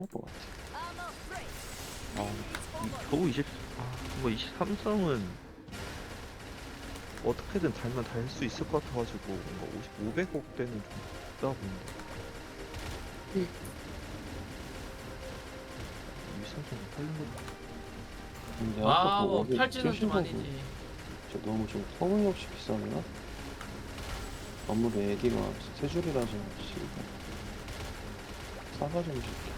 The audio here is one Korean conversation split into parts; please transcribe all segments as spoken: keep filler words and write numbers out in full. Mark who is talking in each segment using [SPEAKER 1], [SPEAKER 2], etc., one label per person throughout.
[SPEAKER 1] 것 같아.
[SPEAKER 2] 아, 이- 겨우 이십, 아, 뭐 이십삼 성은 어떻게든 달면 달 수 있을 것 같아가지고 뭔가 오십, 오백억 대는 좀 있다 보는데 이십삼 성 팔린 거
[SPEAKER 1] 근데 아까
[SPEAKER 3] 아,
[SPEAKER 1] 그
[SPEAKER 3] 뭐
[SPEAKER 1] 어디
[SPEAKER 3] 팔찌는
[SPEAKER 1] 뛰신
[SPEAKER 3] 좀
[SPEAKER 1] 거
[SPEAKER 3] 아니지.
[SPEAKER 1] 진짜 너무 좀 터무니없이 비싸나? 아무리 애기가 세 줄이라서 씨 싸가 좀 줄게.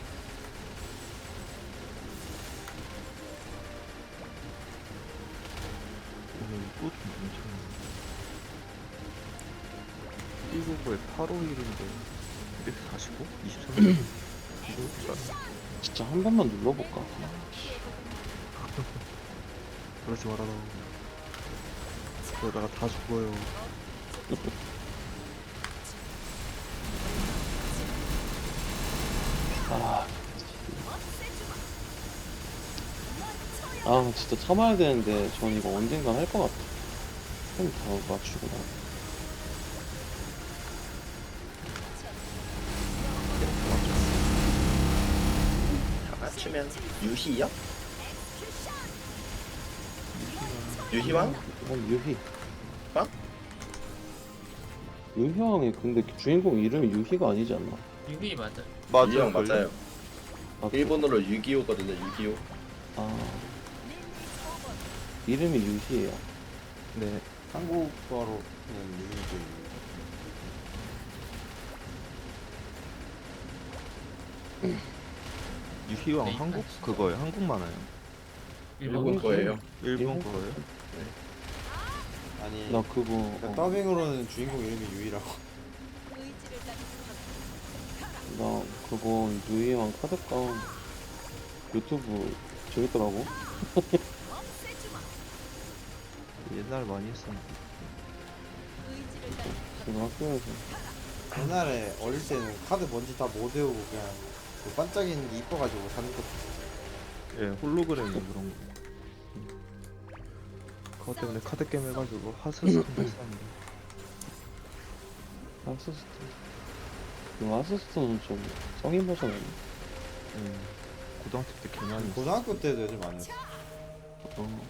[SPEAKER 2] 오늘 또 좀 괜찮네. 일구구에 팔오일인데 이백사십오? 이십삼 성? 이거
[SPEAKER 1] 진짜 한 번만 눌러볼까? 아, 씨.
[SPEAKER 2] 그러지 말아라. 그러다가 다 죽어요.
[SPEAKER 1] 아, 아 진짜 참아야 되는데 전 이거 언젠간 할 것 같아. 템다 맞추고 나.
[SPEAKER 4] 다 맞추면 유희요? 유희왕?
[SPEAKER 1] 이건 유희.
[SPEAKER 4] 어?
[SPEAKER 1] 유희왕이 근데 주인공 이름이 유희가 아니지 않나?
[SPEAKER 3] 유비 맞아.
[SPEAKER 4] 유희왕 맞아요.
[SPEAKER 1] 아,
[SPEAKER 4] 일본어로 유기오거든요. 유기오.
[SPEAKER 1] 아 이름이 유희예요.
[SPEAKER 2] 네.
[SPEAKER 5] 한국어로는 유니도
[SPEAKER 2] 유희왕
[SPEAKER 3] 네,
[SPEAKER 2] 한국
[SPEAKER 3] 진짜.
[SPEAKER 2] 그거예요. 한국 만화요.
[SPEAKER 4] 일본 거예요.
[SPEAKER 2] 일본
[SPEAKER 1] 일본
[SPEAKER 2] 거예요.
[SPEAKER 5] 아니
[SPEAKER 1] 나 그거
[SPEAKER 5] 그러니까
[SPEAKER 1] 어,
[SPEAKER 5] 더빙으로는 주인공 이름이 유이라고.
[SPEAKER 1] 나 그거 유희왕 카드깡 유튜브 재밌더라고.
[SPEAKER 2] 옛날 많이 했었는데.
[SPEAKER 1] 지금 학교에서
[SPEAKER 5] 옛날에 어릴 때는 카드 뭔지 다 못 외우고 그냥 그 반짝이는 게 이뻐가지고 사는 거.
[SPEAKER 2] 예, 홀로그램 그런 거. 그것 때문에 카드 게임 해가지고 하스스톤 했었는데.
[SPEAKER 1] 하스스톤 그 하스스톤은 좀 성인 버전 아니야?
[SPEAKER 2] 예, 고등학교 때 개 많이 했어.
[SPEAKER 5] 고등학교 때도 요즘 많이 했어.
[SPEAKER 1] 어.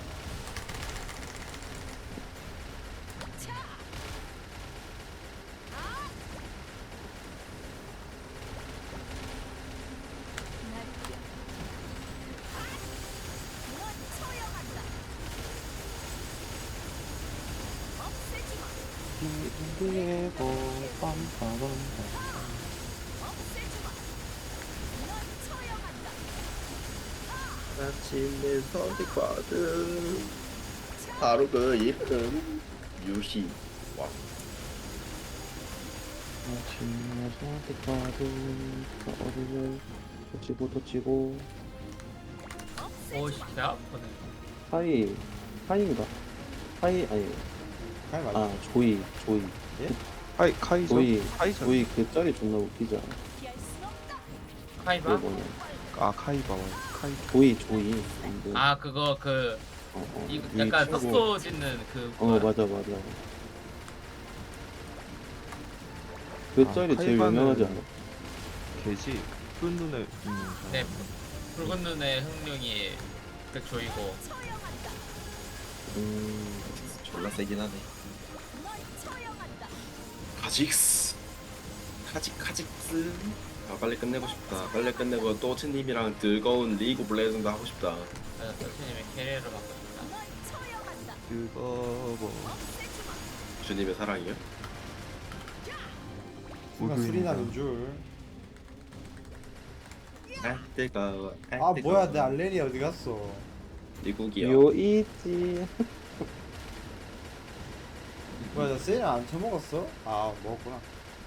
[SPEAKER 1] 이리고 빰빠밤
[SPEAKER 4] 아침에 선택받은 바로 그 이름 유희왕.
[SPEAKER 1] 아침에 선택받은 어디를 터치고 터치고
[SPEAKER 3] 오씨, 개 아프네.
[SPEAKER 1] 하이 하이인가? 하이 아니
[SPEAKER 5] 카이 맞아.
[SPEAKER 1] 아 조이 조이
[SPEAKER 2] 카이, 카이저?
[SPEAKER 1] 조이
[SPEAKER 2] 카이저?
[SPEAKER 1] 조이 그 짤이 존나 웃기지 않아?
[SPEAKER 3] 카이바?
[SPEAKER 1] 그 뭐냐
[SPEAKER 2] 아, 카이바. 카이.
[SPEAKER 1] 조이 조이 근데
[SPEAKER 3] 아, 그거 그
[SPEAKER 1] 어, 어,
[SPEAKER 3] 이
[SPEAKER 1] 위에
[SPEAKER 3] 약간
[SPEAKER 1] 치고.
[SPEAKER 3] 속도 짓는 그
[SPEAKER 1] 어
[SPEAKER 3] 뭐야?
[SPEAKER 1] 맞아 맞아 그
[SPEAKER 2] 아,
[SPEAKER 1] 짤이 제일
[SPEAKER 2] 카이바는
[SPEAKER 1] 유명하지 않아?
[SPEAKER 2] 개지. 큰 눈에 있는 사람.
[SPEAKER 3] 네, 붉은 눈의 흥룡이 그 조이고.
[SPEAKER 1] 음
[SPEAKER 4] 졸라 세긴 하네. 카직스. 카직 카직스. 아 빨리 끝내고 싶다. 빨리 끝내고 또치님이랑 즐거운 리그 오브 레전드 하고 싶다.
[SPEAKER 3] 맞아, 선생님의 캐리어를 맡고 싶다.
[SPEAKER 2] 그거 뭐.
[SPEAKER 4] 주님의 사랑이요?
[SPEAKER 5] 순간 술이 나는 줄.
[SPEAKER 4] 아 뜨거워.
[SPEAKER 5] 아 뭐야 내 알렌이 어디 갔어?
[SPEAKER 4] 미국이요.
[SPEAKER 1] 요이지
[SPEAKER 5] 뭐야 나 세일 안 처먹었어? 아 먹었구나.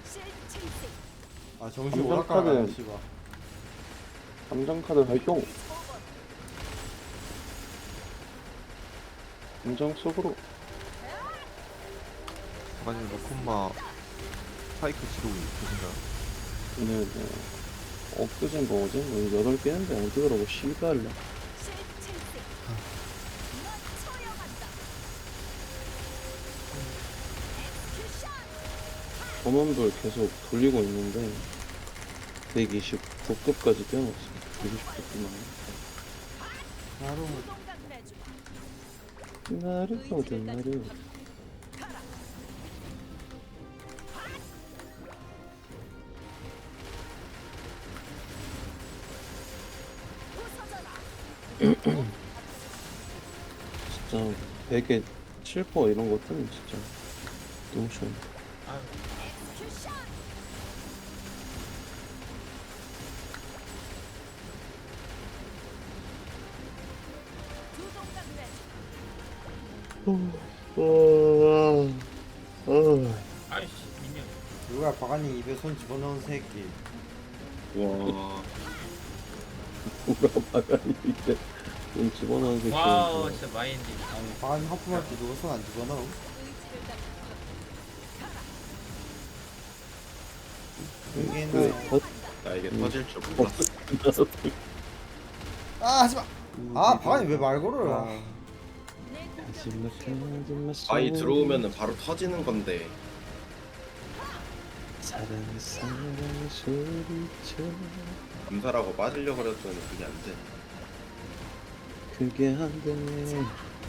[SPEAKER 5] 아 정신
[SPEAKER 1] 감정
[SPEAKER 5] 오락가네
[SPEAKER 1] 카드.
[SPEAKER 5] 씨발.
[SPEAKER 1] 감정카드 활용 감정 속으로
[SPEAKER 2] 아니, 로콤마 스파이크 지르고 계신가?
[SPEAKER 1] 오늘 뭐 엊그젠 뭐지? 뭐 여덟 개 했는데 안 뜨더라고 씨발려 전원들 계속 돌리고 있는데 백이십
[SPEAKER 6] 도급까지 뛰어났어. 이십 도급만.
[SPEAKER 5] 나로
[SPEAKER 6] 나를 보자, 나를. 진짜 베개 칠 퍼센트 이런 거 뜨면 진짜 너무 시원해.
[SPEAKER 3] 아유,
[SPEAKER 6] 어, 어,
[SPEAKER 3] 아이씨 미니언.
[SPEAKER 5] 누가 바가니 입에 손 집어넣은 새끼.
[SPEAKER 4] 와
[SPEAKER 6] 누가 바가니 이제 돈 집어넣은 새끼.
[SPEAKER 3] 와우 진짜 마인드.
[SPEAKER 5] 아니 바가니 하품할 때 누가 손 안 집어넣어? 그게
[SPEAKER 6] 왜
[SPEAKER 5] 나.
[SPEAKER 6] 덧?
[SPEAKER 4] 나 이게
[SPEAKER 6] 음.
[SPEAKER 4] 터질 줄 몰랐어.
[SPEAKER 5] 아 하지마. 아 바가니 왜 말 걸어요?
[SPEAKER 6] 아. 하지마, 하지마,
[SPEAKER 4] 아이 들어오면은 바로 터지는 건데
[SPEAKER 6] 사랑 사랑 소리쳐.
[SPEAKER 4] 암살하고 빠지려고 그랬더니 그게 안 돼.
[SPEAKER 6] 그게 안 되네.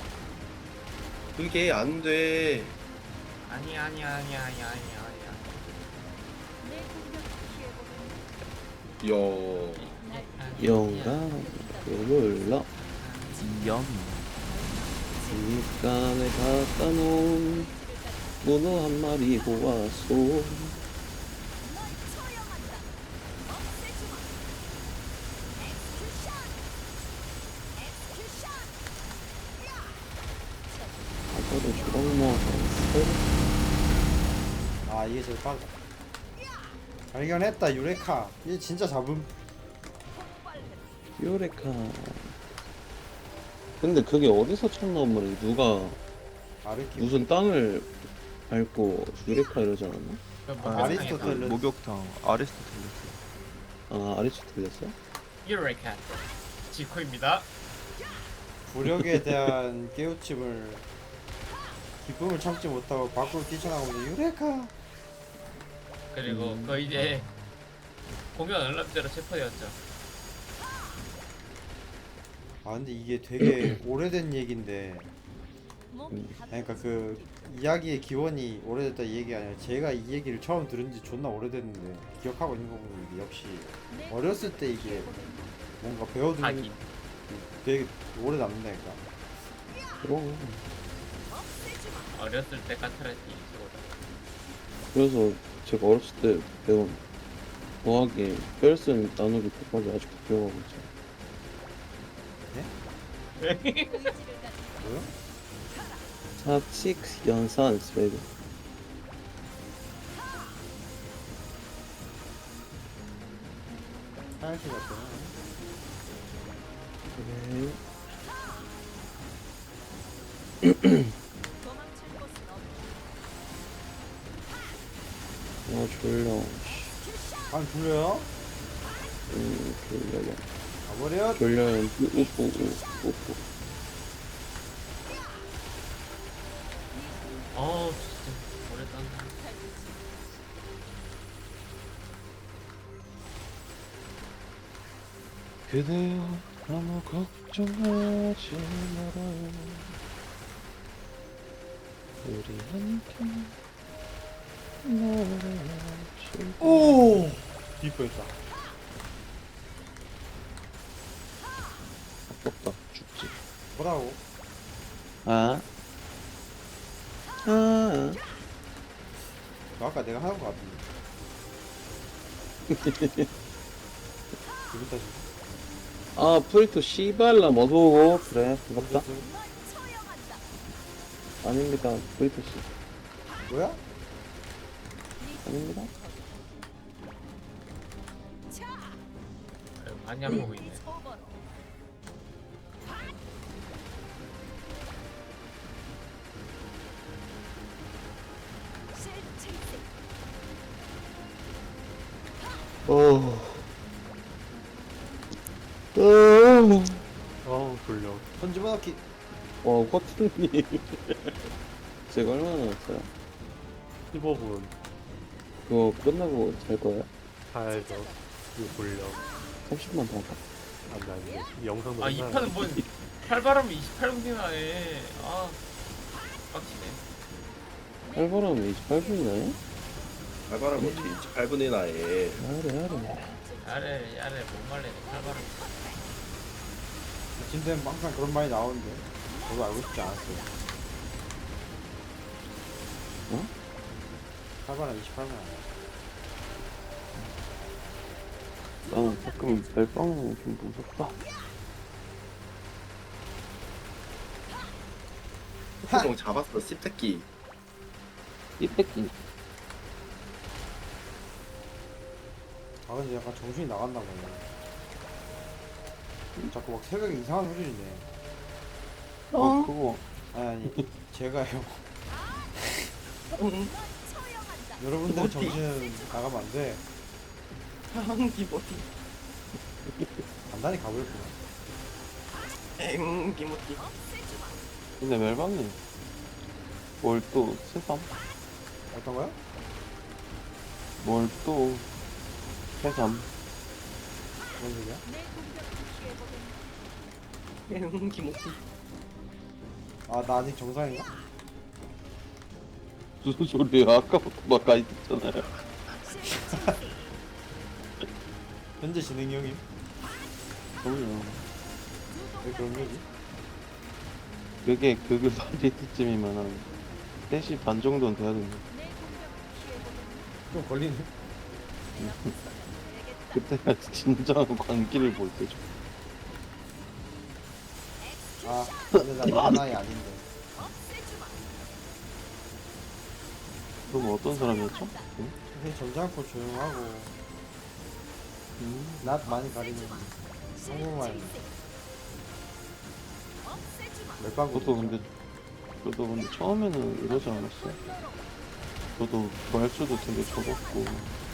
[SPEAKER 4] 그게 안 돼.
[SPEAKER 3] 아니 아니 아니 아니 아니 아니.
[SPEAKER 4] 요
[SPEAKER 6] 영감 불러
[SPEAKER 2] 영.
[SPEAKER 6] 입간에 갖다 놓은 문어 한 마리 보았소. 아까도 주먹 모아서
[SPEAKER 5] 아 이게 제일 빠르다. 발견했다 유레카. 얘 진짜 잡음.
[SPEAKER 6] 요레카. 근데 그게 어디서 찾나온 말이야? 누가
[SPEAKER 5] 아르키.
[SPEAKER 6] 무슨 땅을 밟고 유레카 이러지 않았나?
[SPEAKER 3] 아,
[SPEAKER 5] 아리스토텔레스.
[SPEAKER 2] 목욕탕 아리스토텔레스.
[SPEAKER 6] 아 아리스토텔레스?
[SPEAKER 3] 유레카 지코입니다.
[SPEAKER 5] 부력에 대한 깨우침을 기쁨을 참지 못하고 밖으로 뛰쳐나가면서 유레카.
[SPEAKER 3] 그리고
[SPEAKER 6] 음.
[SPEAKER 3] 그 이제 공연 알람대로 체포되었죠.
[SPEAKER 5] 아 근데 이게 되게 오래된 얘긴데,
[SPEAKER 6] 음.
[SPEAKER 5] 그러니까 그 이야기의 기원이 오래됐다 이 얘기 아니라 제가 이 얘기를 처음 들은 지 존나 오래됐는데 기억하고 있는 거 보면 이게 역시 어렸을 때 이게 뭔가 배워두는
[SPEAKER 3] 하긴.
[SPEAKER 5] 게 되게 오래 남는다니까.
[SPEAKER 6] 그럼.
[SPEAKER 3] 어렸을 때 까탈했지 최고다.
[SPEAKER 6] 그래서 제가 어렸을 때 배운 더하기 뺄셈 나누기 곱하기 아직도 기억하고 있죠.
[SPEAKER 5] 뭐요?
[SPEAKER 6] 사칙 연산 스웨덴.
[SPEAKER 5] 하얀색 같잖아.
[SPEAKER 6] 그래. 아 졸려. 씨.
[SPEAKER 5] 아니 졸려요?
[SPEAKER 6] 음 졸려요.
[SPEAKER 5] 가버려.
[SPEAKER 6] 졸려요. 우뿌 우뿌.
[SPEAKER 3] 어우 진짜 오래 딴다.
[SPEAKER 1] 그대여 너무 걱정하지 말아요. 우리 함께 노래하실
[SPEAKER 5] 오! 이뻐했다.
[SPEAKER 6] 아깝다. 죽지.
[SPEAKER 5] 뭐라고?
[SPEAKER 6] 아. 아.
[SPEAKER 5] 너 아까 내가 하는 거 같은데. 기분 탓이.
[SPEAKER 6] 아 프리토 씨발라 어서오고. 그래 반갑다. 아닙니다 프리토 씨.
[SPEAKER 5] 뭐야?
[SPEAKER 6] 아닙니다.
[SPEAKER 3] 아유, 많이 안 보고 있네.
[SPEAKER 6] 어. 어.
[SPEAKER 1] 어우 졸려.
[SPEAKER 5] 손 집어넣기.
[SPEAKER 6] 와 커튼님. 제가 얼마나 남았어요?
[SPEAKER 1] 십오 분
[SPEAKER 6] 그거 끝나고 잘 거예요?
[SPEAKER 1] 가야죠.
[SPEAKER 7] 이거 돌려.
[SPEAKER 6] 삼십만 더 할까?
[SPEAKER 7] 안돼 안돼. 이 영상도
[SPEAKER 3] 아 이
[SPEAKER 7] 맨날
[SPEAKER 3] 판은 뭔 팔바람이 이십팔 분이나 해. 아 빡치네.
[SPEAKER 6] 팔바람에 이십팔 분이나요?
[SPEAKER 4] 알바람 어떻게 이십팔 분이나 해.
[SPEAKER 6] 야래 야래.
[SPEAKER 3] 야래 야래 못 말리네 팔바람.
[SPEAKER 5] 진짜는 항상 그런 말이 나오는데 저도 알고 싶지 않았어요.
[SPEAKER 6] 어?
[SPEAKER 5] 팔바람 이십팔 분 아니야.
[SPEAKER 1] 나는 가끔 멜빵은 좀 무섭다.
[SPEAKER 4] 후공 잡았어 씹새끼.
[SPEAKER 1] 이 뺏긴.
[SPEAKER 5] 아 근데 약간 정신이 나갔나 보네. 자꾸 막 새벽에 이상한 소리를 내.
[SPEAKER 1] 어, 그거.
[SPEAKER 5] 아니 아니 제가요. 여러분들 정신 나가면 안 돼.
[SPEAKER 4] 기모티.
[SPEAKER 5] 간단히 가버렸구나.
[SPEAKER 4] 엥 기모티.
[SPEAKER 1] 근데 멜빵님. 뭘 또 새삼?
[SPEAKER 5] 어떤 거야?
[SPEAKER 1] 뭘 또 새삼?
[SPEAKER 5] 뭔 소리야?
[SPEAKER 4] 엥 기모티.
[SPEAKER 5] 아 나 아직 정상인가?
[SPEAKER 1] 무슨 소리야? 아까부터 막 가이 듣잖아요.
[SPEAKER 5] 현재 진행이 형님?
[SPEAKER 1] 그럼요.
[SPEAKER 5] 왜 그런 거지?
[SPEAKER 1] 그게 그게 파리트쯤이면 한 세 시 반 정도는 돼야 됩니다.
[SPEAKER 5] 좀 걸리네.
[SPEAKER 1] 그때가 진정한 광기를 볼 때죠.
[SPEAKER 5] 아 근데 나 이런 나이 아닌데.
[SPEAKER 1] 그럼 어떤 사람이었죠? 응?
[SPEAKER 5] 되게 점잖고 조용하고
[SPEAKER 1] 음,
[SPEAKER 5] 낯 많이 가리는 한국말 멜빵구.
[SPEAKER 1] 저도 근데 저도 근데 처음에는 이러지 않았어요. 저도 말수도 되게 적었고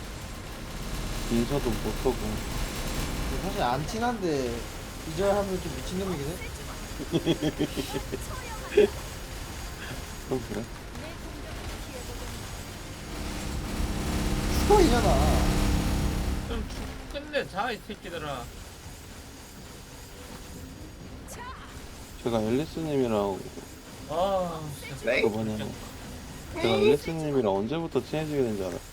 [SPEAKER 1] 인사도 못하고.
[SPEAKER 5] 사실 안 친한데 이절하면 좀 미친놈이긴 해.
[SPEAKER 1] 그럼 그래?
[SPEAKER 5] 추억이잖아.
[SPEAKER 3] 좀 축- 끝내 자 이 새끼들아.
[SPEAKER 1] 제가 앨리스님이랑
[SPEAKER 3] 아 진짜.
[SPEAKER 4] 네.
[SPEAKER 1] 저번에 제가 앨리스님이랑 언제부터 친해지게 된지 알아요?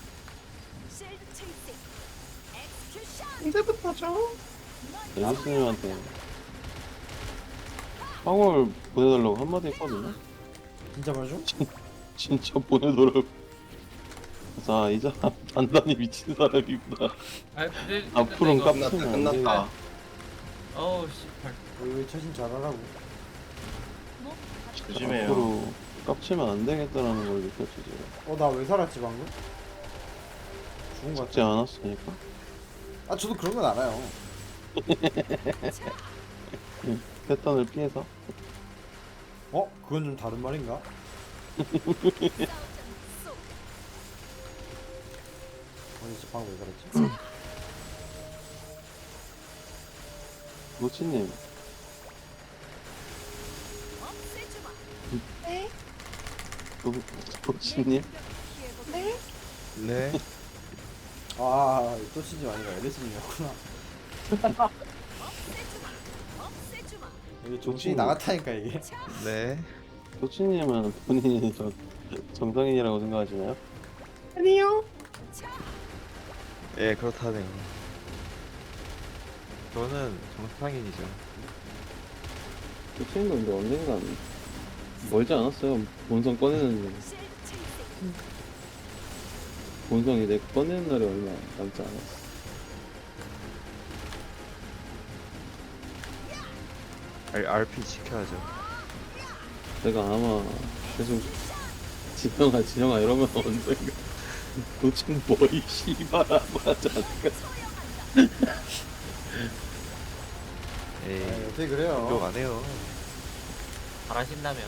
[SPEAKER 4] 언제부터죠?
[SPEAKER 1] 앨리스님한테 황홀 보내달라고 한마디 했거든요?
[SPEAKER 5] 진짜 말죠?
[SPEAKER 1] 진짜 보내더라고. 그래서 아, 이 사람 단단히 미친 사람이구나.
[SPEAKER 3] 아 근데
[SPEAKER 1] 앞으로는
[SPEAKER 3] 이거-
[SPEAKER 1] 깜-
[SPEAKER 4] 끝났다 끝났다.
[SPEAKER 3] 어우 씨발.
[SPEAKER 5] 왜 처신 잘하라고.
[SPEAKER 4] 조심해요.
[SPEAKER 1] 앞으로 깝치면 안 되겠다라는 걸 느꼈지 제가.
[SPEAKER 5] 어 나 왜 살았지 방금? 죽은 거
[SPEAKER 1] 죽지
[SPEAKER 5] 같아.
[SPEAKER 1] 않았으니까.
[SPEAKER 5] 아 저도 그런 건 알아요.
[SPEAKER 1] 패턴을 피해서.
[SPEAKER 5] 어? 그건 좀 다른 말인가? 아니 진짜 방금 왜 그랬지?
[SPEAKER 1] 노치님. 노, 노치님?
[SPEAKER 7] 네.
[SPEAKER 5] 아, 또 치지 아니라 엘리스님이었구나. 이게 정신이 나갔다니까 이게.
[SPEAKER 7] 네.
[SPEAKER 1] 노치님은 본인이 저, 정상인이라고 생각하시나요?
[SPEAKER 7] 예 그렇다네요. 저는 정상인이죠.
[SPEAKER 6] 그 친구는 근데 언젠간 멀지 않았어요. 본성 꺼내는 본성이 내 꺼내는 날이 얼마 남지 않았어.
[SPEAKER 7] 알, 알피 지켜야죠.
[SPEAKER 6] 내가 아마 계속 진영아 진영아 이러면 언젠가 도대체 뭐이 씨발라고 하지 않을까.
[SPEAKER 7] 에이
[SPEAKER 5] 아, 어떻게
[SPEAKER 7] 욕
[SPEAKER 5] 그래요?
[SPEAKER 7] 안 해요.
[SPEAKER 3] 잘하신다면.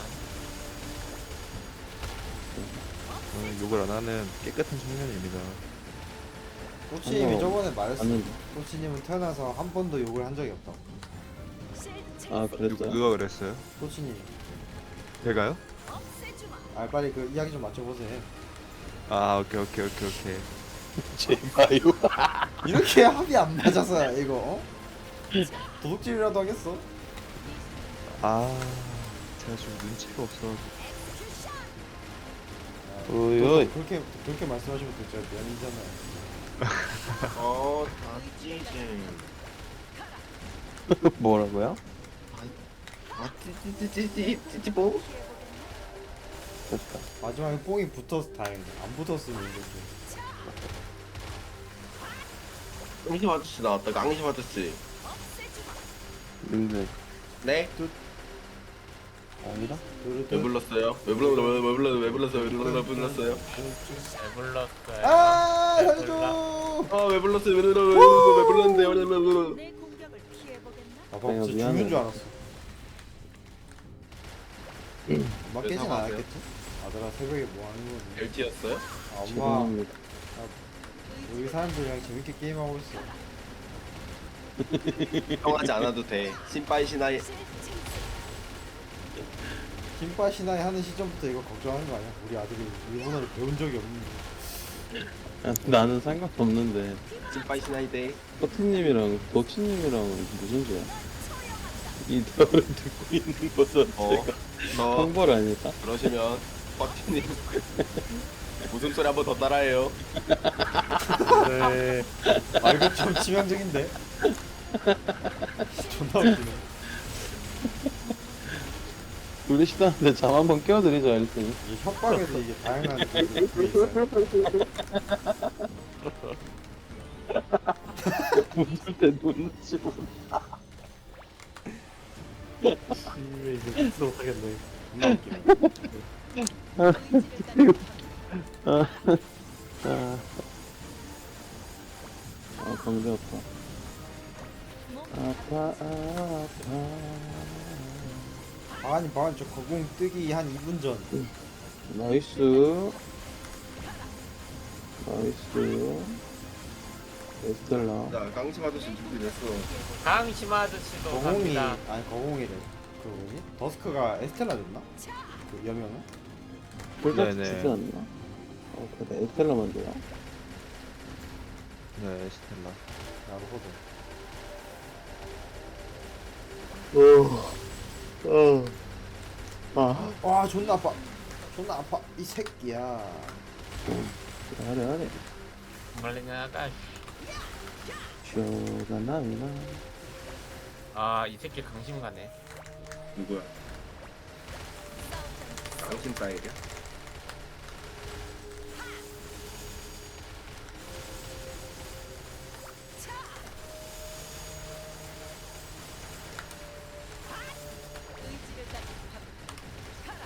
[SPEAKER 7] 저는 욕을 안 하는 깨끗한 청년입니다.
[SPEAKER 5] 꼬치님이
[SPEAKER 6] 어,
[SPEAKER 5] 저번에 말했어.
[SPEAKER 6] 맞는데.
[SPEAKER 5] 꼬치님은 태어나서 한 번도 욕을 한 적이 없다.
[SPEAKER 6] 아
[SPEAKER 7] 누,
[SPEAKER 6] 그랬어요?
[SPEAKER 7] 누가 그랬어요?
[SPEAKER 5] 꼬치님이.
[SPEAKER 7] 제가요?
[SPEAKER 5] 아 빨리 그 이야기 좀 맞춰보세요.
[SPEAKER 7] 아 오케이 오케이 오케이 오케이.
[SPEAKER 1] 제발요.
[SPEAKER 5] 이렇게 합이 안 맞아서 이거 어? 도둑질이라도 하겠어?
[SPEAKER 7] 아, 제가 좀 눈치가 없어가지고.
[SPEAKER 1] 어이,
[SPEAKER 5] 또
[SPEAKER 1] 어이.
[SPEAKER 5] 그렇게 그렇게 말씀하시면 또 제가 미안이잖아요.
[SPEAKER 4] 어, 아, 찌지.
[SPEAKER 1] 뭐라고요?
[SPEAKER 4] 아, 찌찌찌찌찌, 찌찌뽀?
[SPEAKER 1] 됐다.
[SPEAKER 5] 마지막에 뽕이 붙어서 다행이다. 안 붙었으면 이렇게.
[SPEAKER 4] 깡심 아저씨 나왔다, 깡심 아저씨.
[SPEAKER 1] 님들
[SPEAKER 4] 네?
[SPEAKER 1] 아니라?
[SPEAKER 4] 왜 불렀어요? 왜 불렀어요? 왜 불렀어요? 왜 불렀어요? 왜 불렀어요? 왜 불렀어요?
[SPEAKER 3] 잘 불렀어요.
[SPEAKER 5] 아
[SPEAKER 3] 잘
[SPEAKER 5] 살려줘.
[SPEAKER 4] 아, 왜 불렀어요? 왜 불렀어요? 왜 불렀는데? 왜 불렀어요?
[SPEAKER 8] 내 공격을 피해보겠나?
[SPEAKER 5] 아빠
[SPEAKER 6] 내가
[SPEAKER 5] 진짜
[SPEAKER 6] 미안해.
[SPEAKER 5] 죽는 줄 알았어. 엄마
[SPEAKER 4] 왜
[SPEAKER 5] 깨진
[SPEAKER 4] 사과하세요?
[SPEAKER 5] 않았겠지? 아들아 새벽에 뭐 하는 거지?
[SPEAKER 4] 벨트였어요?
[SPEAKER 5] 아, 엄마
[SPEAKER 6] 죄송합니다.
[SPEAKER 5] 여기 사람들이랑 재밌게 게임하고 있어.
[SPEAKER 4] 걱정하지 않아도 돼. 신빠이 신하이.
[SPEAKER 5] 김빠 신화에 하는 시점부터 이거 걱정하는 거 아니야? 우리 아들이 일본어를 배운 적이 없는데.
[SPEAKER 6] 야, 나는 상관없는데
[SPEAKER 4] 신빠이 신하이 돼.
[SPEAKER 6] 커트님이랑 덕치님이랑은 무슨 죄야? 이 대화를 듣고 있는 거죠.
[SPEAKER 4] 어,
[SPEAKER 6] 제가
[SPEAKER 4] 너
[SPEAKER 6] 형벌 아닐까?
[SPEAKER 4] 그러시면 빡티님 웃음소리 한 번 더 따라해요.
[SPEAKER 7] 네.
[SPEAKER 5] 아 이거 좀 치명적인데? 존나 웃기네.
[SPEAKER 1] 울리시다는데 잠 한번 깨워드리죠, 일단.
[SPEAKER 5] 이 협박에도 이게 다양한 게 있어요.
[SPEAKER 6] 웃을 때 눈치 보.
[SPEAKER 5] 이제 무슨 못하겠네. 존나 웃기네.
[SPEAKER 1] 아,
[SPEAKER 6] 아, 광대 아파. 아파, 아파.
[SPEAKER 5] 아니 방금 저 거공 뜨기 한 이 분 전.
[SPEAKER 6] 나이스. 나이스. 에스텔라.
[SPEAKER 4] 자, 깡심 아저씨 준비됐어.
[SPEAKER 3] 강심 아저씨도
[SPEAKER 5] 거공이
[SPEAKER 3] 갑니다.
[SPEAKER 5] 아니 거공이래. 그 뭐지? 더스크가 에스텔라였나? 그 여명은?
[SPEAKER 6] 폴다스
[SPEAKER 7] 네네.
[SPEAKER 6] 치지 않나? 어, 그래. 에스텔라만 돼요.
[SPEAKER 7] 네, 스텔라.
[SPEAKER 5] 나루호도.
[SPEAKER 6] 어. 어. 아.
[SPEAKER 5] 와 존나 아파. 존나 아파. 이 새끼야.
[SPEAKER 6] 하래, 하래.
[SPEAKER 3] 말리나가.
[SPEAKER 6] 쇼가 나나.
[SPEAKER 3] 아이 새끼 강심 가네.
[SPEAKER 4] 누구야? 깡심 따일이야?
[SPEAKER 8] 의지를 가진 가라.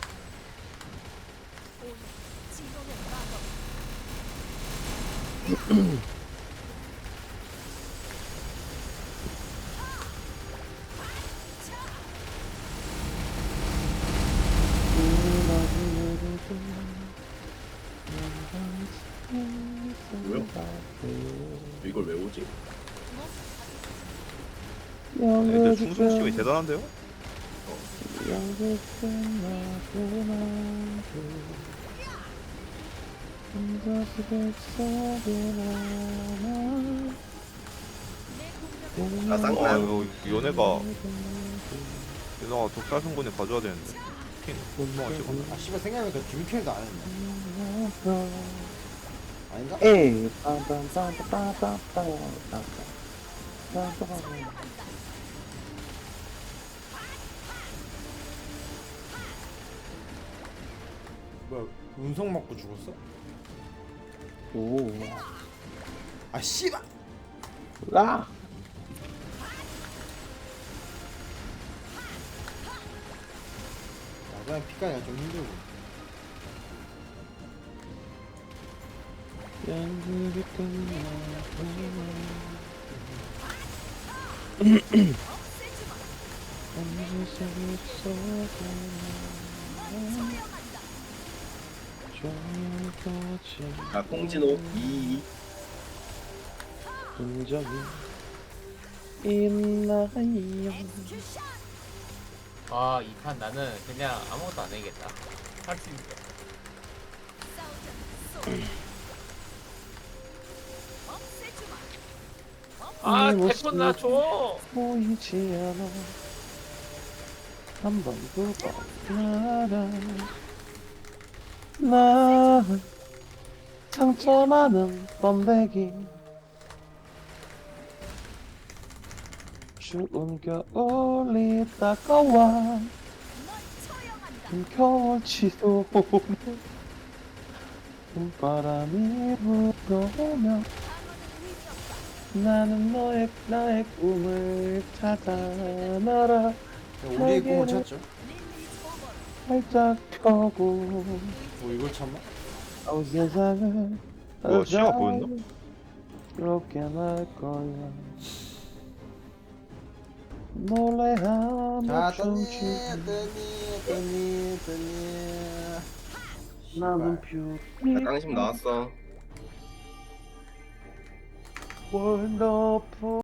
[SPEAKER 8] 오늘 진동의 마법.
[SPEAKER 4] 뭐야? 이걸 왜 오지?
[SPEAKER 7] 애들 충성심이 대단한데요?
[SPEAKER 4] 아,
[SPEAKER 7] 아,
[SPEAKER 4] 쌍난.
[SPEAKER 7] 이거 연애가 연애가 독사성군에 가져야 되는데. 킨 멍멍 찍어.
[SPEAKER 5] 아 씨발 생각해보니까 듀켈도 안 했네. 아닌가?
[SPEAKER 6] 에이, 빰빰빰빰빰빰빰빰빰빰.
[SPEAKER 5] 뭐야 운석 맞고 죽었어?
[SPEAKER 6] 오,
[SPEAKER 5] 아 씨발!
[SPEAKER 6] 라.
[SPEAKER 5] 마지막에 피까지가 좀 힘들고.
[SPEAKER 6] 연극이 끝나고
[SPEAKER 4] 아, 콩진호 이
[SPEAKER 6] 흔적이 있나요?
[SPEAKER 3] 아 이 판 나는 그냥 아무것도 안 해야겠다. 할 수 있어. 아
[SPEAKER 1] 네
[SPEAKER 3] 태권 나 줘.
[SPEAKER 1] 보이지 않아 한 번 두 번 나라 나 상처 많은 번데기 추운 겨울이 다가와
[SPEAKER 8] 넌 처형한다.
[SPEAKER 1] 긴 겨울치도 오면 봄바람이 불어오면
[SPEAKER 8] 방어는 의미 없다.
[SPEAKER 1] 나는 너의 나의 꿈을 찾아 날아
[SPEAKER 5] 우리의 꿈을 찾죠.
[SPEAKER 8] 릴리즈 오버.
[SPEAKER 1] 활짝 펴고
[SPEAKER 5] 뭐 이걸 참아?
[SPEAKER 1] 온 세상을
[SPEAKER 7] 뭐야, 시야가 보였나?
[SPEAKER 1] 그렇게 날 거야 노래하며
[SPEAKER 5] 자, 떠니,
[SPEAKER 1] 춤추는
[SPEAKER 5] 떠니, 떠니, 떠니.
[SPEAKER 1] 나는 뷰티
[SPEAKER 4] 깡심 나왔어.
[SPEAKER 1] 원더풀